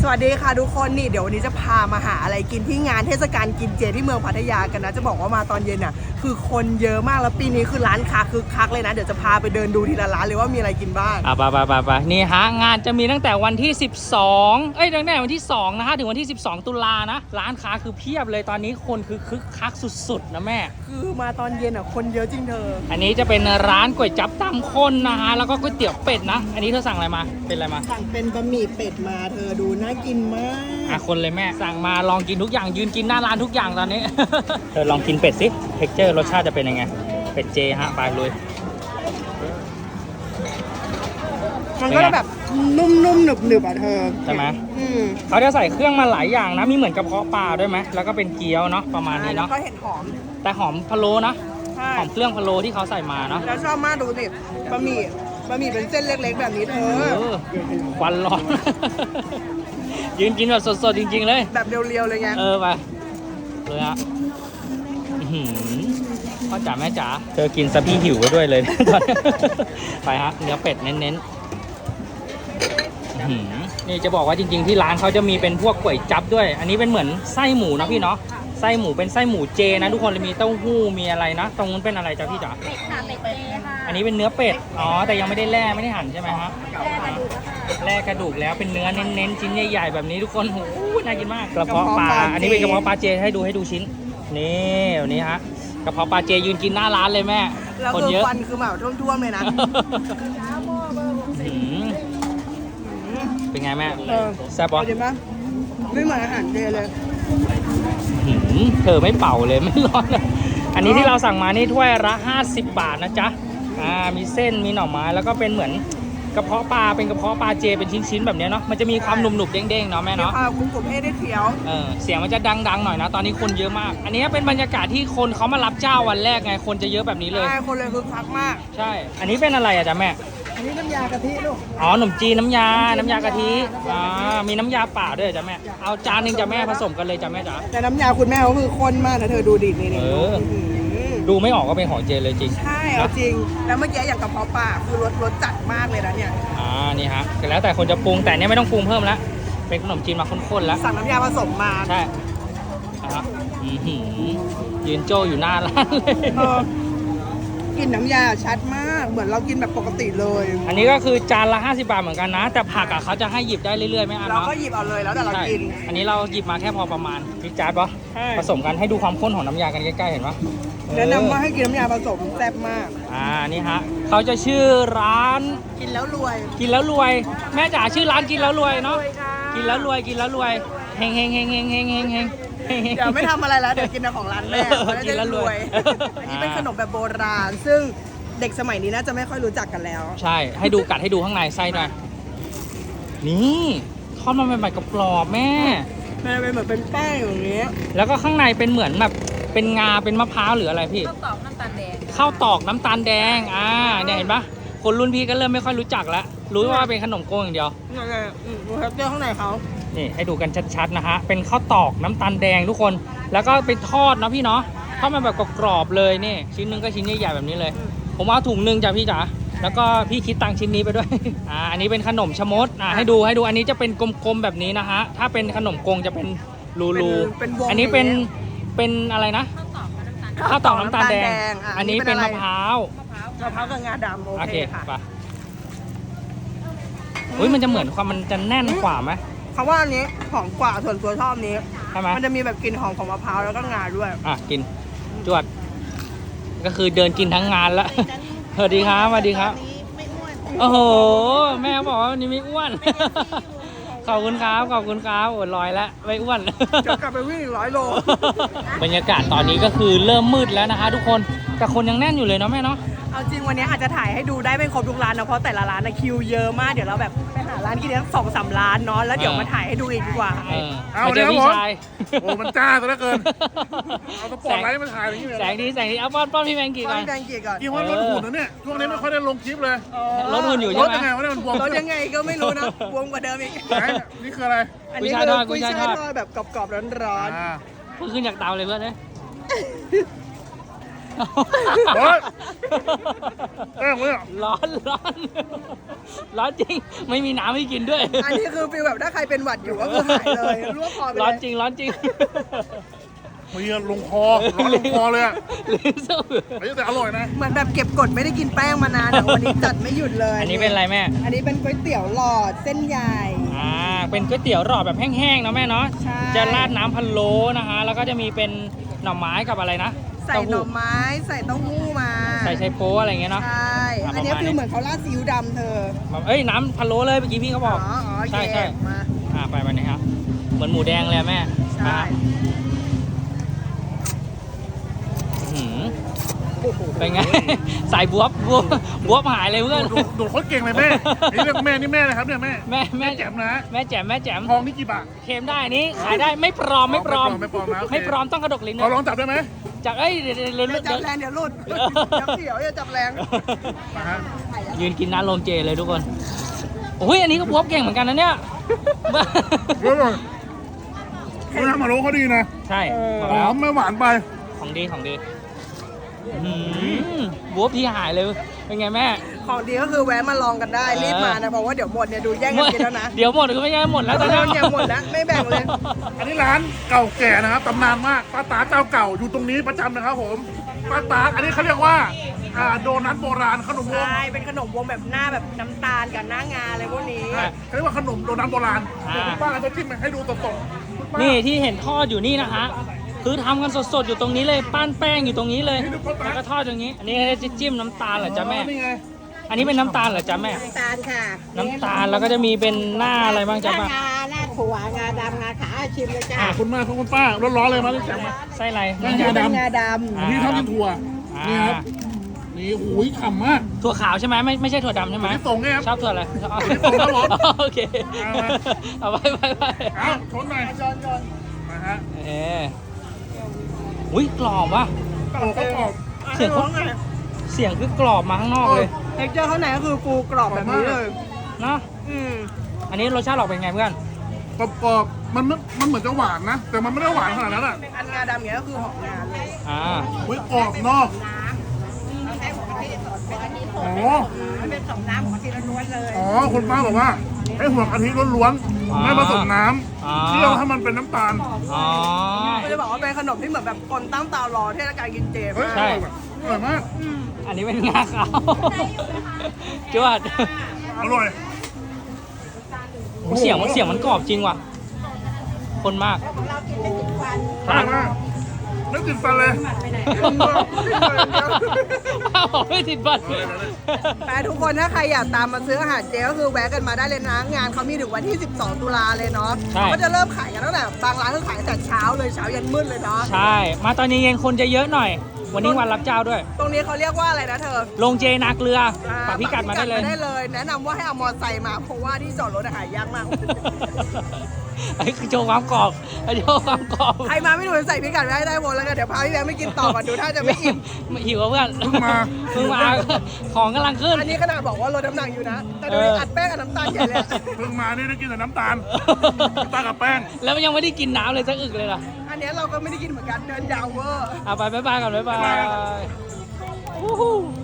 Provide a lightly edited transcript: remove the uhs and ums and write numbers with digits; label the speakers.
Speaker 1: วัสดีค่ะทุกคนนี่เดี๋ยววันนี้จะพามาหาอะไรกินที่งานเทศกาลกินเจที่เมืองพัทยากันนะจะบอกว่ามาตอนเย็นน่ะคือคนเยอะมากแล้วปีนี้คือร้านค้าคึกคักเลยนะเดี๋ยวจะพาไปเดินดูทีละร้านเลยว่ามีอะไรกินบ้าง
Speaker 2: ไปนี่ฮะงานจะมีตั้งแต่วันที่12ตั้งแต่วันที่2นะฮะถึงวันที่12ตุลานะร้านค้าคือเพียบเลยตอนนี้คนคือคึกคักสุดๆนะแม่
Speaker 1: คือมาตอนเย็นอ่ะคนเยอะจริงเธอ
Speaker 2: อันนี้จะเป็นร้านก๋วยจั๊บตำข้นนะฮะแล้วก็ก๋วยเตี๋ยวเป็ดนะอันนี้เธอสั่งอะไรมาเป็นอะไรมา
Speaker 1: สั่งเป็นบะหมี่เป็ดมาเธอดูน่ากินมาก
Speaker 2: คนเลยแม่สั่งมาลองกินทุกอย่างยืนกินหน้าร้านทุกอย่างตอนนี้ เธอลองกินเป็ดสิเท็กเจอร์รสชาติจะเป็นยังไงเป็ดเจฮะไปเลย
Speaker 1: มันก็จะแบบนุ่มๆหนึบๆอ่ะเธอ
Speaker 2: ใช่ไหมเขาจะใส่เครื่องมาหลายอย่างนะมีเหมือนกระเพาะปลาด้วยไหมแล้วก็เป็นเกี๊ยวเนาะประมาณนี้เนาะ
Speaker 1: แล้วก็เห็ดหอม
Speaker 2: แต่หอมพะโล้นะหอมเครื่องพะโล้ที่เขาใส่มาเนาะ
Speaker 1: แล้วชอบมากดูสิบะหมี่เป็นเส้นเล็กๆแบบนี้เธอ
Speaker 2: ควันร้อน ยืนกินแบบสดๆจริงๆเลย
Speaker 1: แบบเรียวๆเลยไง
Speaker 2: ไปเลยฮะพ่อจ๋าแม่จ๋าเธอกินซะพี่หิวไปด้วยเลย ไปฮะเนื้อเป็ดเน้นๆนี่จะบอกว่าจริงๆที่ร้านเขาจะมีเป็นพวกก๋วยจั๊บด้วยอันนี้เป็นเหมือนไส้หมูนะพี่เนาะไส้หมูเป็นไส้หมูเจนะทุกคนเลยมีเต้าหู้มีอะไรนะตรงนู้นเป็นอะไรจ้าพี่จ๋าเป็ดค่ะเป็ดเจค่ะอันนี้เป็นเนื้อเป็ดแต่ยังไม่ได้แล่ไม่ได้หั่นใช่ไหมฮะแล่กระดูกแล้วเป็นเนื้อเน้นๆชิ้นใหญ่ๆแบบนี้ทุกคนโอ้โหน่ากินมากกระเพาะปลาอันนี้เป็นกระเพาะปลาเจให้ดูชิ้นนี่วันนี้ฮะกระเพาะปลาเจยืนกินหน้าร้านเลยแม่
Speaker 1: คนเยอะฟันคือแบบท่วมๆเลยนะ
Speaker 2: เป็นไงแม่แซ่บปะ
Speaker 1: ไม่เหมือนอาหารเจเลย
Speaker 2: เธอไม่เป่าเลยไม่ร้อนเลยอันนี้ที่เราสั่งมานี่ถ้วยละ50 บาทนะจ๊ะมีเส้นมีหน่อไม้แล้วก็เป็นเหมือนกระเพาะปลาเป็นกระเพาะปลาเจเป็นชิ้นๆแบบนี้เนาะมันจะมีความหนุบๆเด้งๆเนาะแม่เนาะ
Speaker 1: กรุบๆได้เคี้ยว
Speaker 2: เสียงมันจะดังๆหน่อยนะตอนนี้คนเยอะมากอันนี้เป็นบรรยากาศที่คนเขามารับเจ้าวันแรกไงคนจะเยอะแบบนี้เลย
Speaker 1: ใช่คนเลยคึกคักมาก
Speaker 2: ใช่อันนี้เป็นอะไรอะจ๊ะแม่
Speaker 1: อันนี้น้ำยากะทิลูก
Speaker 2: ขนมจีนน้ำยากะทิมีน้ำยาป่าด้วยจ้ะแม่เอาจานนึงจ้ะแม่ผสมกันเลยจ้ะแม่จ๋า
Speaker 1: แต่น้ำยาคุณแม่เขาคือข้นมากนะเธอดูดินี่
Speaker 2: ดูไม่ออกก็เป็นของเจเลยจริง
Speaker 1: ใช่เอาจริงแล้วเมื่อกี้อย่างกระเพาะปลาคือรสจัดมากเลยนะเนี่ย
Speaker 2: นี่ฮะแล้วแต่คนจะปรุงแต่เนี้ยไม่ต้องปรุงเพิ่มแล้วเป็นขนมจีนมาข้นๆแล้ว
Speaker 1: สั่งน้ำยาผสมมา
Speaker 2: ใช่นะครับยืนโจอยู่หน้าร้านเลย
Speaker 1: กินน้ำยาชัดมากเหมือนเรากินแบบปกติเลย
Speaker 2: อันนี้ก็คือจานละ50 บาทเหมือนกันนะแต่ผักเขาจะให้หยิบได้เรื่อยๆไม่อั้น
Speaker 1: เราก็หยิบเอาเลยแล้วแต่เรากิน
Speaker 2: อันนี้เราหยิบมาแค่พอประมาณพริกจานปะผสมกันให้ดูความข้นของน้ำยากันใกล้ๆเห็นปะ
Speaker 1: แนะนำว่าให้กินน้ำยาผสมแซ่บมาก
Speaker 2: นี่ฮะเขาจะชื่อร้าน
Speaker 1: กินแล้วร
Speaker 2: วยแม่จ๋าชื่อร้านกินแล้วรวยเนาะกินแล้วรวยเฮง
Speaker 1: เดี๋ยวไม่ทำอะไรแล้วเดี๋ยวกินแต่ของร้านแม่
Speaker 2: กินแล้วรวย
Speaker 1: อันนี้เป็นขนมแบบโบราณซึ่งเด็กสมัยนี้น่าจะไม่ค่อยรู้จักกันแล้ว
Speaker 2: ใช่ให้ดูกัดให้ดูข้างในไส้หน่อยนี่ทอดมาใหม่ๆกรอบแม่
Speaker 1: มันเป็นเหมือนเป็นแป้งอย่างนี้
Speaker 2: แล้วก็ข้างในเป็นเหมือนแบบเป็นงาเป็นมะพร้าวหรืออะไรพี่
Speaker 3: ข้าวตอกน้ำตาลแดง
Speaker 2: เนี่ยเห็นปะคนรุ่นพี่ก็เริ่มไม่ค่อยรู้จักแล้วรู้ว่าเป็นขนมโก้อย่างเดียว
Speaker 1: ดูครับเจ้าข้างในเขา
Speaker 2: นี่ให้ดูกันชัดๆนะฮะเป็นข้าวตอกน้ำตาลแดงทุกคนแล้วก็ไปทอดนะพี่เนาะทอดมาแบบกรอบๆเลยนี่ชิ้นนึงก็ชิ้นใหญ่ๆแบบนี้เลยผมเอาถุงนึงจ้ะพี่จ๋าแล้วก็พี่คิดตังค์ชิ้นนี้ไปด้วยอันนี้เป็นขนมชะมดให้ดูอันนี้จะเป็นกลมๆแบบนี้นะฮะถ้าเป็นขนมกงจะเป็นรูอันนี้เป็นอะไรนะข้าวตอกน้ำตาลแดงอันนี้เป็นมะพร้าว
Speaker 1: กับงาดำโอเคค่ะ
Speaker 2: มันจะเหมือนความมันจะแน่นกว่าไหม
Speaker 1: เขาว่าอันนี้หอมกว่าส่วนตัวชอบนี้ใช่ไหมมันจะมีแบบกลิ่นหอมของมะพร้าวแล้วก็งาด้วย
Speaker 2: กินจวดก็คือเดินกินทั้งงานละสวัสดีครับโอ้โหแม่บอกว่าวันนี้ไม่อ้วนขอบคุณครับอดลอยแล้วไม่อ้วน
Speaker 1: จะกลับไปวิ่ง100 โล
Speaker 2: บรรยากาศตอนนี้ก็คือเริ่มมืดแล้วนะคะทุกคนแต่คนยังแน่นอยู่เลยเนาะแม่เนาะ
Speaker 1: เอาจริงวันนี้อาจจะถ่ายให้ดูได้ไม่ครบทุกร้านนะเพราะแต่ละร้านนะคิวเยอะมากเดี๋ยวเราแบบไปหาร้านกินทั้ง2-3 ร้านเนาะแล้วเดี๋ยวมาถ่ายให้ดูอีกดีกว่า
Speaker 2: เอาเจอพี่ชาย
Speaker 4: โอ้มันจ้าซะเหลือเกินเอาสปอร์ตไลท์มาถ่ายอย่างนี้เลย
Speaker 2: แสงดีเอาป้อนพี่แมงกี้ก่อน
Speaker 4: กี่วันรถหุ่นนะเนี่ยช่วงนี้ไม่ค่อยได้ลงคลิปเลย
Speaker 2: รถหุ่นอยู่ใช่ไหม
Speaker 4: รถยังไงวะเนี่ยมันบวม
Speaker 1: รถยังไงก็ไม่รู้นะบวมกว่าเดิมอีก
Speaker 4: นี่คืออะไร
Speaker 1: อันนี้คือกุ้ยช่ายทอดแบบกรอบๆร้อน
Speaker 2: ๆเพิ่งขึ้นจากเตาเลยเพื่อนเลย
Speaker 1: เ
Speaker 4: เฮ้ยแป้งเลยอ่ะ
Speaker 2: ร้อนร้อนจริงไม่มีน้ำให้กินด้วย
Speaker 1: อันนี้คือฟีลแบบถ้าใครเป็นหวัดอยู่ก็คือหายเลยรวบคอไปเลย
Speaker 2: ร้อนจริงร้อนจริง
Speaker 4: มีลงคอร้อนลงคอเลยอ่ะ
Speaker 2: ลิ้นสู้
Speaker 4: เฮ้ยแต่อร่อยนะ
Speaker 1: เหมือนแบบเก็บกดไม่ได้กินแป้งมานานแต่วันนี้จัดไม่หยุดเลย
Speaker 2: อันนี้เป็นอะไรแม่
Speaker 1: อันนี้เป็นก๋วยเตี๋ยวหลอดเส้นใหญ่
Speaker 2: เป็นก๋วยเตี๋ยวหลอดแบบแห้งๆนะแม่เนาะ
Speaker 1: ใช่
Speaker 2: จะราดน้ำพะโล้นะคะ แล้วก็จะมีเป็นหน่อไม้กับอะไรนะ
Speaker 1: ใส่หน่อไม้ใส่เต้าหู้มา
Speaker 2: ใส่ไชโป๊อะไรอย่างเงี้ยเนาะ
Speaker 1: ใช่ อันนี้คือเหมือนเขาราดซีอิ๊วดำเธอ
Speaker 2: แบบเอ้ยน้ำพะโล้เลยเมื่อกี้พี่เขาบอก
Speaker 1: โอเค
Speaker 2: ใช่
Speaker 1: มา
Speaker 2: ไปวันนี้ครับเหมือนหมูแดงเลยอะแม่
Speaker 1: ใช่
Speaker 2: อื้อหือเป็นไง สายบวบหายเลยเพื่อน
Speaker 4: ดูโคตรเก่งเลยแม่นี่เรียกแม่นี่แม่นะครับเนี่ยแม่
Speaker 2: แม่
Speaker 4: แจ่มนะ
Speaker 2: แม่แจ่ม
Speaker 4: ทองนี่กี่บาท
Speaker 2: เค็มได้อันนี้ขายได้ไม่ปลอมไม่ปลอม
Speaker 4: ไม่ปลอมนะโอเค
Speaker 2: ไม่ปลอมต้องกระดกลิ้น
Speaker 4: เรา
Speaker 2: นะ
Speaker 4: ลองจับได้ไหม
Speaker 2: จากเอ้ยเดี๋ยว
Speaker 1: อย่าจับแรงเดี๋ยวหลุดอย่าเสียวอย่าจับแรง
Speaker 4: มาฮะ
Speaker 2: ยืนกินน้ำโรงเจเลยทุกคนโอ้ยอันนี้ก็บวบเก่งเหมือนกันนะเนี่ย
Speaker 4: เดี๋ยวก่อนน้ำมาโลเขาดีนะ
Speaker 2: ใช่บ
Speaker 4: ห
Speaker 2: อก
Speaker 4: อ
Speaker 2: แล้ว
Speaker 4: มไม่หวานไป
Speaker 2: ของดีบวบที่หายเลยเป็นไงแม่
Speaker 1: ของดีก็คือแวะมาลองกันได้รีบมานะเพราะว่าเดี๋ยวหมดเนี่ยดูแย่งกันกินแล้วนะ
Speaker 2: เดี๋ยวหมดก็ไม่ใช่หมดแล้วตอน
Speaker 1: เริ่
Speaker 2: นี้
Speaker 1: มเนี่ยหมดแล้วไม่แบ่งเลย
Speaker 4: อันนี้ร้านเก่าแก่นะครับตำนานมากป้าตาเจ้าเก่าอยู่ตรงนี้ประจำนะครับผมป้าตาอันนี้เขาเรียกว่าโดนัทโบราณขนมวง
Speaker 1: ใช่เป็นขนมวงแบบหน้าแบบน้ำตาลกับหน้างาอะไรพวกนี้
Speaker 4: เขาเรียกว่าขนมโดนัทโบราณเดี๋ยวคุณป้าจะจิ้มให้ดูสดๆคุณป้า
Speaker 2: นี่ที่เห็นทอดอยู่นี่นะฮะคือทำกันสดๆอยู่ตรงนี้เลยปั้นแป้งอยู่ตรงนี้เลยแล้วก็ทอดอย่างนี้ อันนี้จะจิ้มน้ำตาลเหรอจ๊ะแม่
Speaker 4: นี่ไง
Speaker 2: อันนี้เป็นน้ำตาลเหรอจ๊ะแม่
Speaker 1: น้ำตาลค่ะ
Speaker 2: น้ำตาลแล้วก็จะมีเป็นหน้าอะไรบ้างจ๊ะ
Speaker 1: หน้า
Speaker 2: ป้าง
Speaker 1: าหน้าถั่วงาดำงาขาวชิมเลยจ้า
Speaker 4: ขอบคุณมากครับคุณป้าร้อนๆเลยมาที่แจมมา
Speaker 2: ไส้อะไร
Speaker 4: งาดำ
Speaker 1: งาด
Speaker 4: นี่ชอบกินถั่วนี่ครับนี่โอ้ยฉ่ำมาก
Speaker 2: ถั่วขาวใช่ไหมไม่ใช่ถั่วดำใช่ไหม
Speaker 4: นี่ส่งไงครับ
Speaker 2: ชอบถั่วอะไร
Speaker 4: นี่ส่งครับผม
Speaker 2: โอเค
Speaker 4: เอามา
Speaker 2: เอาไป
Speaker 4: เอาชนหน่อย
Speaker 1: ำจอน
Speaker 4: มาฮะ
Speaker 2: อุ้ยกรอบว่ะ
Speaker 4: โอ้ก็กรอบ
Speaker 2: เสียง
Speaker 1: ร้องไง
Speaker 2: เสียงคือกรอบมาข้างนอกเลย
Speaker 1: เท็กเจอร์ข้างในก็คือฟูกรอบแบบนี้เลย
Speaker 2: เนาะ
Speaker 1: อืม
Speaker 2: อันนี้รสชาติออกเป็นไงเพื่อน
Speaker 4: กรอบๆมันเหมือนจะหวานนะ แต่มันไม่ได้หวานขนาดนั้นอ่ะ
Speaker 1: อันงาดำเนี้ยก็คือหอมงาเลย
Speaker 4: อุ้ยกรอบนอกอ๋อ
Speaker 1: มันเป็นสองน้ำของกะทิล้วนเลย
Speaker 4: อ๋อคุณป้าบอกว่าให้หัวกะทิล้วนๆไม่ผสมน้ำเคี่ยวให้มันเป็นน้ำตาล
Speaker 2: อ๋อ
Speaker 1: ก็จะบอกว่าเป็นขนมที่เหมือนแบบคนตั้งตารอเทศกาลกินเจ
Speaker 4: เฮ้ย
Speaker 1: มาก
Speaker 2: ใช่
Speaker 4: อร่อยมาก
Speaker 2: อันนี้เป็นงาขาวจวด
Speaker 4: อร่อย
Speaker 2: เสียงมันกรอบจริงว่ะ คนมาก
Speaker 4: อร่อยมากนึกถึงฟันเลย
Speaker 2: ป้าบอกไม่ติดบัตร
Speaker 1: แต่ทุกคนถ้าใครอยากตามมาซื้ออาหารเจก็คือแวะกันมาได้เลยนะงานเขามีถึงวันที่ 12 ตุลาเลยเนาะ
Speaker 2: ใช่
Speaker 1: ก็จะเริ่มขายกันตั้งแต่บางร้านก็ขายตั้งแต่เช้าเลยเช้ายันมืดเลยเนาะ
Speaker 2: ใช่ มาตอนเย็นๆคนจะเยอะหน่อย วันนี้วันรับเจ้าด้วย
Speaker 1: ตรงนี้เขาเรียกว่าอะไรนะเธอ
Speaker 2: ลงเจนาเกลือปักพิกัดมาได้เลย
Speaker 1: แนะนำว่าให้เอามอเตอร์ไซค์มาเพราะว่าที่จอดรถอะหายากมาก
Speaker 2: ไอ้คือโชว์ความกรอบโชว์ความกรอบ
Speaker 1: ใครมาไม่ถูกใส่พิกัดไว้ให้ได้หมดแล้วกันเดี๋ยวพาพี่แบงค์ไปกินต่อก่อนดูถ้าจะไม่อิ่ม
Speaker 2: หิวอะเพื่อน
Speaker 4: เพิ่งมา
Speaker 2: ของกำลังขึ้น
Speaker 1: อันนี้ขนาดบอกว่าลดน้ำหนักอยู่นะ แต่ดูอัดแป้งกับน้ำตาลใหญ่เลย
Speaker 4: เพิ่งมานี่ได้กินแต่น้ำตาลน้ำตาลกับแป้ง
Speaker 2: แล้วมันยังไม่ได้กินน้ำเลยสักอึกเลยล่ะ
Speaker 1: อันนี้เราก็ไม่ได้กินเหมือนกันเดินยาวเวอร์
Speaker 2: เอาไปบ๊ายบายก่อนบ๊ายบาย